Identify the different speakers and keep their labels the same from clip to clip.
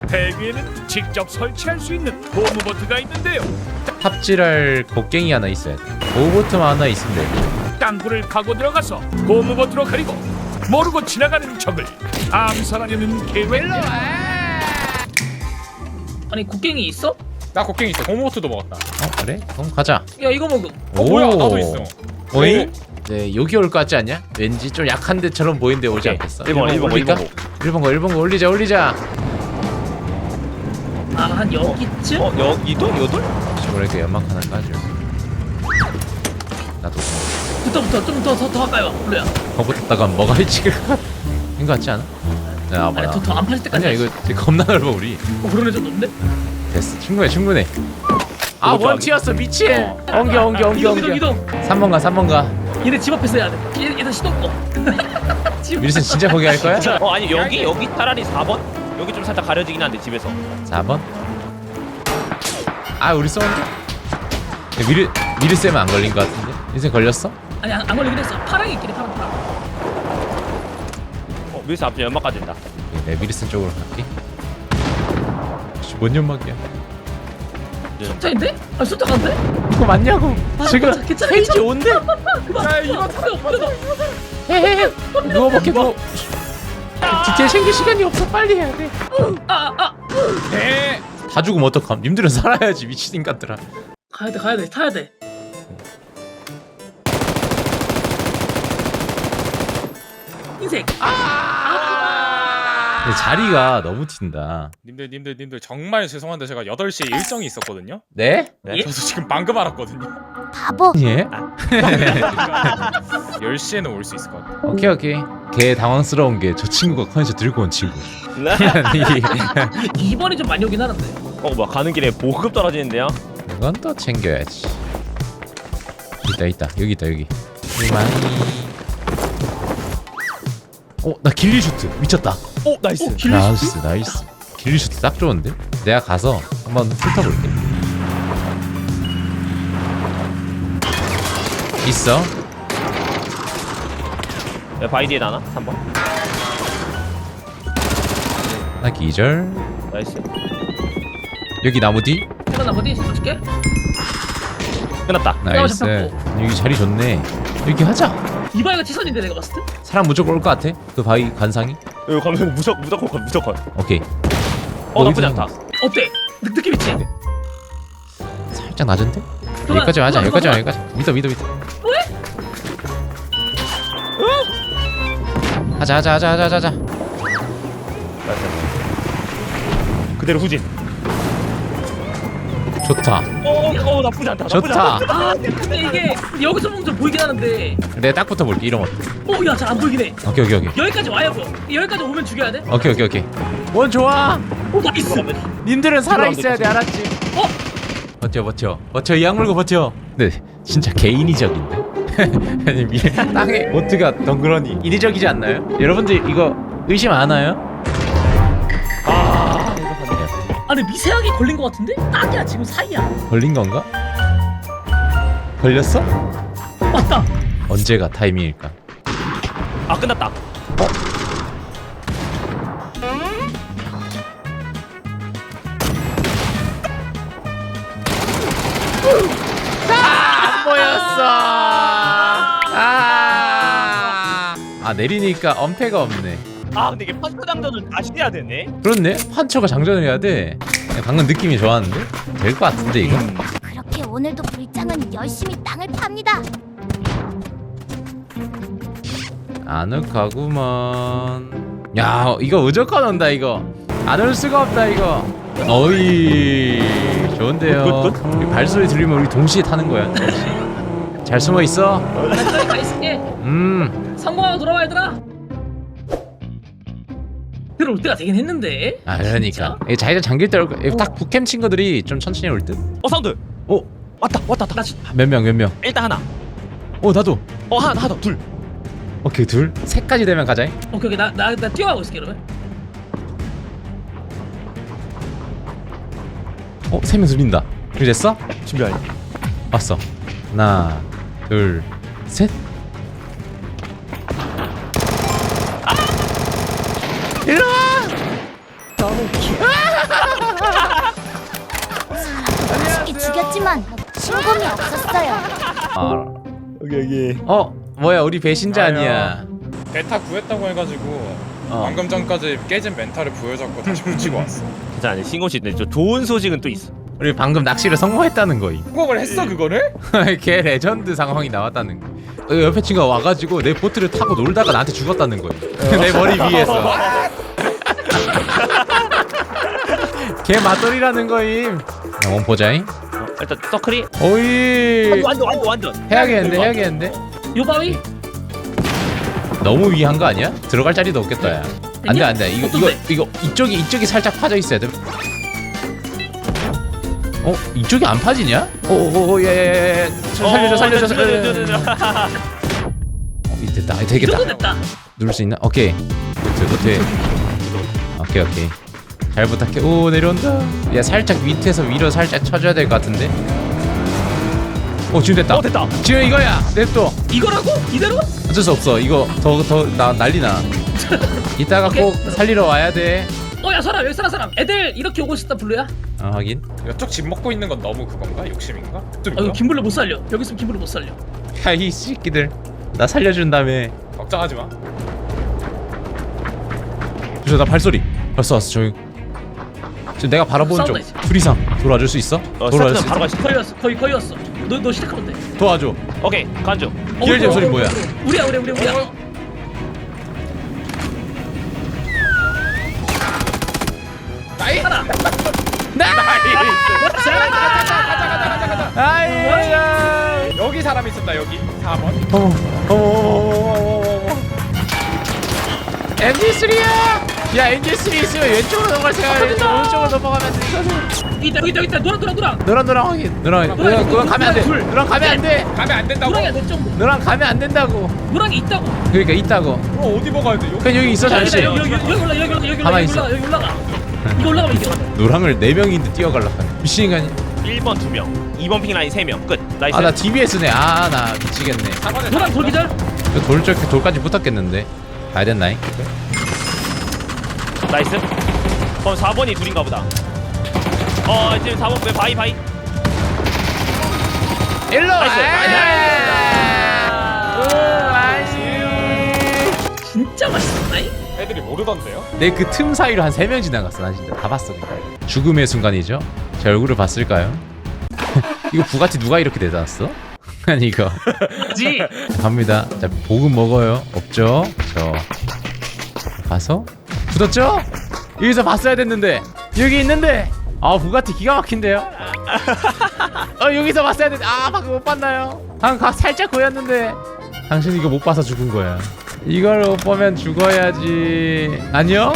Speaker 1: 배위에는 직접 설치할 수 있는 고무보트가 있는데요.
Speaker 2: 탑질할 곡괭이 하나 있어야 돼. 오버트만 하나 있으면 돼.
Speaker 1: 땅굴을 파고 들어가서 고무보트로 가리고 모르고 지나가는 적을 암살하려는 계획입니다.
Speaker 3: 아니 곡괭이 있어?
Speaker 4: 나 곡괭이 있어. 고무보트도 먹었다.
Speaker 2: 그래? 그럼 가자.
Speaker 3: 야 이거 먹음.
Speaker 4: 뭐야? 나도 있어.
Speaker 2: 오잉? 네, 여기 올 것 같지 않냐? 왠지 좀 약한 데처럼 보이는데 오지 않겠어.
Speaker 5: 1번
Speaker 2: 올릴까? 1번 거 올리자.
Speaker 3: 아 한 여기쯤?
Speaker 5: 여기도? 요돌?
Speaker 2: 저번에 연막 하나 까줘. 나도
Speaker 3: 붙어 좀 더 가까이 와 블루야.
Speaker 2: 거붙었다가 뭐가 일찍을 인것 같지 않아? 야,
Speaker 3: 아니
Speaker 2: 봐라.
Speaker 3: 더안 파질 때까지.
Speaker 2: 아니야 이거 되게 겁나 넓어 우리.
Speaker 3: 그런 애좀 없는데?
Speaker 2: 됐어 충분해. 아
Speaker 5: 그것도
Speaker 2: 원티였어 미친. 엉겨.
Speaker 3: 이동.
Speaker 2: 3번 가.
Speaker 3: 얘네 집 앞에서 해야 돼. 얘네 시동 꺼.
Speaker 2: 미르슨 진짜 거기 할 거야?
Speaker 5: 아니 여기 차라리 4번? 여기 좀 살짝 가려지긴 한데 집에서
Speaker 2: 4번? 아 우리 쏘는데? 미르 쌤은 안 걸린 것 같은데? 미르 걸렸어?
Speaker 3: 아니 안 걸리긴 했어. 파랑이 있긴 해 파랑.
Speaker 5: 위에서 앞에 연막 까진다.
Speaker 2: 내 미르슨 쪽으로 갈게. 혹시 뭔 연막이야?
Speaker 3: 숫자인데? 아 숫자 간대?
Speaker 2: 이거 맞냐고? 지금
Speaker 3: 괜찮아.
Speaker 2: 페이지 온대?
Speaker 3: 야 이거 없어.
Speaker 2: 헤헤헤 누워볼게 누워. 디테일 챙길 시간이 없어 빨리 해야 돼. 다 죽으면 어떡함? 님들은 살아야지 미친 인간들아.
Speaker 3: 가야 돼 타야 돼. 흰색.
Speaker 2: 근데 자리가 너무 튄다.
Speaker 4: 님들 정말 죄송한데 제가 8시에 일정이 있었거든요.
Speaker 2: 네?
Speaker 4: 저도 지금 방금 알았거든요.
Speaker 6: 바보.
Speaker 2: 예?
Speaker 4: 10시에는 올 수 있을 것 같아요.
Speaker 2: 오케이. 걔 당황스러운 게 저 친구가 컨디션 들고 온 친구.
Speaker 3: 2번이 좀 많이 오긴 하는데.
Speaker 5: 뭐야 가는 길에 보급 떨어지는데요?
Speaker 2: 이건 또 챙겨야지. 있다 여기. 나 길리 슈트 미쳤다.
Speaker 5: 오 나이스.
Speaker 2: 나이스. 길리 슈트 딱 좋은데? 내가 가서 한번 훑어볼게. 있어.
Speaker 5: 바위 뒤에 나나? 3번.
Speaker 2: 나 기절.
Speaker 5: 나이스.
Speaker 2: 여기 나무 뒤.
Speaker 3: 이거 나 어디 있을게?
Speaker 5: 끝났다.
Speaker 2: 나이스.
Speaker 3: 잡혔고.
Speaker 2: 여기 자리 좋네. 여기 하자.
Speaker 3: 이바이가 치선인데 내가 봤을 때?
Speaker 2: 사람 무조건 올 것 같아. 그 바위 관상이.
Speaker 5: 여기 가면 무조건.
Speaker 2: 오케이.
Speaker 5: 나쁘지 않다.
Speaker 3: 어때? 느낌 있지?
Speaker 2: 살짝 낮은데?
Speaker 3: 그만,
Speaker 2: 여기까지 하자.
Speaker 3: 그만.
Speaker 2: 여기까지. 믿어.
Speaker 3: 뭐해?
Speaker 2: 하자.
Speaker 5: 그대로 후진.
Speaker 2: 좋다.
Speaker 5: 나쁘지 않다.
Speaker 2: 좋다.
Speaker 3: 아 근데 이게 여기서 보면 좀 보이긴 하는데.
Speaker 2: 내가 딱 붙어볼게. 이러면 어때?
Speaker 3: 야 잘 안 보이긴 해.
Speaker 2: 오케이.
Speaker 3: 여기까지 와야 보여. 여기까지 오면 죽여야 돼.
Speaker 2: 오케이. 원 좋아.
Speaker 3: 오 나이스.
Speaker 2: 님들은 살아있어야 돼. 알았지? 버텨. 이 악물고 버텨. 근데 진짜 개인위적인데? 아니 땅에 보트가 덩그러니 인위적이지 않나요? 여러분들 이거 의심 안 하나요?
Speaker 3: 아니 미세하게 걸린 것 같은데? 딱이야 지금 사이야.
Speaker 2: 걸린 건가? 걸렸어?
Speaker 3: 맞다.
Speaker 2: 언제가 타이밍일까?
Speaker 5: 끝났다.
Speaker 2: 안 보였어. 내리니까 엄폐가 없네.
Speaker 5: 근데 이게 판처 장전을 다시 해야 되네.
Speaker 2: 그렇네. 판처가 장전을 해야 돼. 방금 느낌이 좋았는데 될 것 같은데 이거.
Speaker 6: 그렇게 오늘도 불장은 열심히 땅을 팝니다.
Speaker 2: 아늑하구먼. 야 이거 무조건 온다 이거. 안 올 수가 없다 이거. 어이 좋은데요.
Speaker 5: 굿.
Speaker 2: 발소리 들리면 우리 동시에 타는 거야. 잘 숨어 있어.
Speaker 3: 나 가 있을게. 성공하고 돌아와 얘들아. 들어올 때가 되긴 했는데.
Speaker 2: 그러니까 이 자기장 잠길 때 딱 북캠 친구들이 좀 천천히 올 듯.
Speaker 5: 사운드. 왔다.
Speaker 3: 나
Speaker 2: 몇 명.
Speaker 5: 일단 하나.
Speaker 2: 나도.
Speaker 5: 하나 더. 둘.
Speaker 2: 오케이 둘. 셋까지 되면 가자.
Speaker 3: 오케이 나 뛰어가고 있을게 그러면.
Speaker 2: 3명 들린다. 그리 됐어?
Speaker 5: 준비하니.
Speaker 2: 왔어. 하나, 둘, 셋. 일로 와. 너무 귀여워.
Speaker 6: 하지만 신검이 없었어요.
Speaker 2: 아 여기 뭐야 우리 배신자 아니야.
Speaker 4: 베타 구했다고 해가지고
Speaker 2: 어.
Speaker 4: 방금 전까지 깨진 멘탈을 보여줬고 다시 붙이고 왔어.
Speaker 5: 괜찮아. 신고식 근데 좋은 소식은 또 있어.
Speaker 2: 우리 방금 낚시를 성공했다는 거임.
Speaker 4: 성공을 했어 그거를?
Speaker 2: 걔 레전드 상황이 나왔다는 거. 옆에 친구가 와가지고 내 보트를 타고 놀다가 나한테 죽었다는 거임. 내 머리 위에서. 걔 맞돌이라는 거임. 원포자잉
Speaker 5: 일단 서클이
Speaker 2: 오이.
Speaker 5: 완전.
Speaker 2: 해야겠는데.
Speaker 3: 요 바위?
Speaker 2: 너무 위한 거 아니야? 들어갈 자리도 없겠다 야. 안돼
Speaker 3: 어떤데?
Speaker 2: 이거 이쪽이 살짝 파져 있어야 돼. 이쪽이 안 파지냐? 야야야야 살려줘. 됐다.
Speaker 3: 이
Speaker 2: 되겠다.
Speaker 3: 정도 됐다.
Speaker 2: 누를 수 있나? 오케이. 노트. 오케이. 잘 부탁해. 오 내려온다. 야 살짝 밑에서 위로 살짝 쳐줘야 될 것 같은데. 지금 됐다.
Speaker 5: 됐다.
Speaker 2: 지금 이거야. 냅둬.
Speaker 3: 이거라고? 이대로?
Speaker 2: 어쩔 수 없어. 이거 더 나 난리나. 이따가
Speaker 3: 오케이.
Speaker 2: 꼭 살리러 와야 돼.
Speaker 3: 야 사람 여기 사람. 애들 이렇게 오고 싶다 블루야.
Speaker 2: 확인.
Speaker 4: 이쪽 집 먹고 있는 건 너무 그건가? 욕심인가? 좀
Speaker 3: 이거 김블루 못 살려. 여기 있으면 김블루 못 살려.
Speaker 2: 야 이 새끼들. 나 살려준 다음에.
Speaker 4: 걱정하지 마.
Speaker 2: 나 발소리. 왔어 조용. 지금 내가 바라보는 쪽.
Speaker 3: 싸운다,
Speaker 2: 둘 이상 돌아줄 수 있어? 돌아줄 수
Speaker 5: 바로
Speaker 2: 있어?
Speaker 5: 가시.
Speaker 3: 거의 왔어. 거의 왔어. 너 시작하면 돼.
Speaker 2: 도와줘.
Speaker 5: 오케이 간주.
Speaker 2: 기혈잼 소리 뭐야?
Speaker 3: 우리야. 하나.
Speaker 2: 아이야.
Speaker 4: 여기 사람 있습니다 여기 4번.
Speaker 2: MG3야. 야 MG3 있으면 왼쪽으로 넘어갈 생각해. 오른쪽으로 넘어가면 돼.
Speaker 3: 있다. 노랑.
Speaker 2: 너랑 확인. 너랑 가면 안 돼. 너랑 가면 안 돼.
Speaker 4: 가면 안 된다고?
Speaker 3: 노랑이야 내 점.
Speaker 2: 너랑 가면 안 된다고.
Speaker 3: 노랑이 있다고.
Speaker 2: 그러니까 있다고.
Speaker 4: 어디 먹어야 돼?
Speaker 2: 그냥 여기 있어 잠시.
Speaker 3: 여기
Speaker 2: 가만히 있어.
Speaker 3: 올라가. 이거 올라가면 이겨.
Speaker 2: 노랑을 4명인데 뛰어갈라. 미친 인간이.
Speaker 5: 1번 2명, 2번 핑 라인 3명. 끝. 나이스.
Speaker 2: 나 DBS네. 나 미치겠네.
Speaker 4: 4번에
Speaker 3: 노랑 돌기절.
Speaker 2: 돌까지 붙었겠는데. 가야 됐나잉?
Speaker 5: 나이스. 그럼 4번이 둘인가 보다. 지금 4번 왜 바이.
Speaker 2: 일로 와.
Speaker 5: 나이스.
Speaker 3: 진짜 맛있었나이?
Speaker 4: 애들이 모르던데요?
Speaker 2: 내 그 틈 사이로 한 3명 지나갔어. 난 진짜 다 봤어. 그냥. 죽음의 순간이죠. 제 얼굴을 봤을까요? 이거 부가티 누가 이렇게 내놨어? 아니 이거
Speaker 3: 그지?
Speaker 2: 갑니다. 자 보금 먹어요. 없죠? 저 가서 굳었죠? 여기서 봤어야 됐는데 여기 있는데 부가티 기가 막힌데요? 여기서 봤어야 됐는데 방금 못 봤나요? 방금 살짝 보였는데 당신 이거 못 봐서 죽은 거야. 이걸 못 보면 죽어야지. 안녕?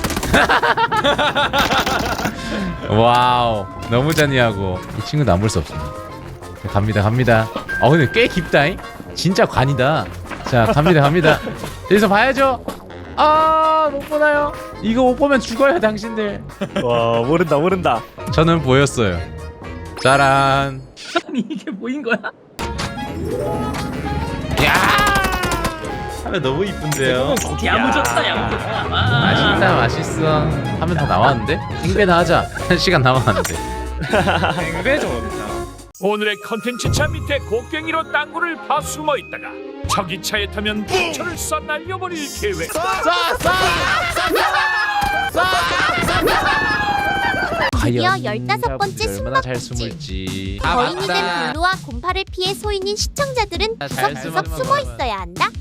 Speaker 2: 와우 너무 잔인하고 이 친구는 안 볼 수 없습니다. 갑니다. 근데 꽤 깊다잉. 진짜 관이다. 자 갑니다. 여기서 봐야죠. 못 보나요? 이거 못 보면 죽어요 당신들.
Speaker 5: 와 모른다.
Speaker 2: 저는 보였어요. 짜란.
Speaker 3: 아니 이게 뭐인 거야?
Speaker 2: 야 하면 너무 이쁜데요.
Speaker 3: 야무졌다.
Speaker 2: 맛있어. 하면 다 나왔는데? 행배나 하자. 1시간 남았는데.
Speaker 4: 앵배 좋다.
Speaker 1: 오늘의 컨텐츠 차 밑에 곡괭이로 땅굴을 파 숨어 있다가 저기 차에 타면 부처를 쏴 날려버릴 계획.
Speaker 6: 드디어
Speaker 2: 과연
Speaker 6: 15번째
Speaker 2: 얼마나 잘
Speaker 6: 숨막히지.
Speaker 2: 숨을지.
Speaker 6: 거인이 된 블루와 곰파를 피해 소인인 시청자들은
Speaker 2: 잘
Speaker 6: 구석구석
Speaker 2: 숨어만
Speaker 6: 숨어 있어야 한다.